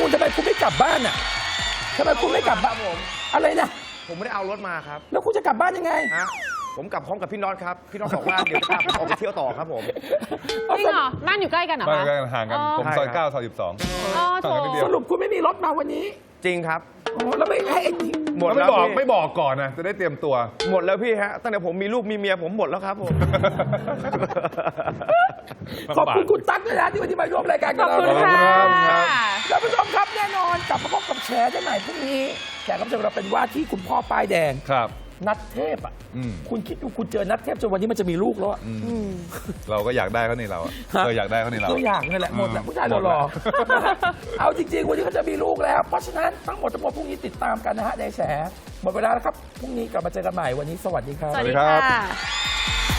ทำไมคุณไม่กลับบ้านอ่ะทำไมคุณไม่กลับบ้านผมอะไรนะผมไม่ได้เอารถมาครับแล้วคุณจะกลับบ้านยังไงฮะผมกลับพร้อมกับพี่น็อตครับพี่น็อตบอกว่าเดี๋ยวจะพาผมออกไปเที่ยวต่อครับผมจริงเหรอบ้านอยู่ใกล้กันเหรอบ้านคะใกล้กันห่างกันผมซอย9ซอย12 อ๋อโถสรุปคุณไม่มีรถมาวันนี้จริงครับโอ้แล้วไม่ให้หมดแล้วไม่บอกก่อนนะจะได้เตรียมตัวหมดแล้วพี่ฮะตั้งแต่ผมมีลูกมีเมียผมหมดแล้วครับผมขอบคุณคุณตั๊กด้วยนะที่วันนี้มาร่วมรายการกับเราขอบคุณค่ะท่านผู้ชมครับแน่นอนกลับมาพบกับแชร์ได้ใหม่พรุ่งนี้แขกรับเชิญเราเป็นว่าที่คุณพ่อป้ายแดงครับนัทเทพอ่ะคุณคิดดูคุณเจอนัทเทพจนวันนี้มันจะมีลูกแล้วเราก็อยากได้เขาในเราอยากได้เขาในเราก็อยากนั่นแหละหมดแหละผู้ชายหล่อๆเอาจริงๆวันนี้เขาจะมีลูกแล้วเพราะฉะนั้นทั้งหมดพรุ่งนี้ติดตามกันนะฮะในแฉหมดเวลาแล้วครับพรุ่งนี้กลับมาเจอกันใหม่วันนี้สวัสดีครับสวัสดีค่ะ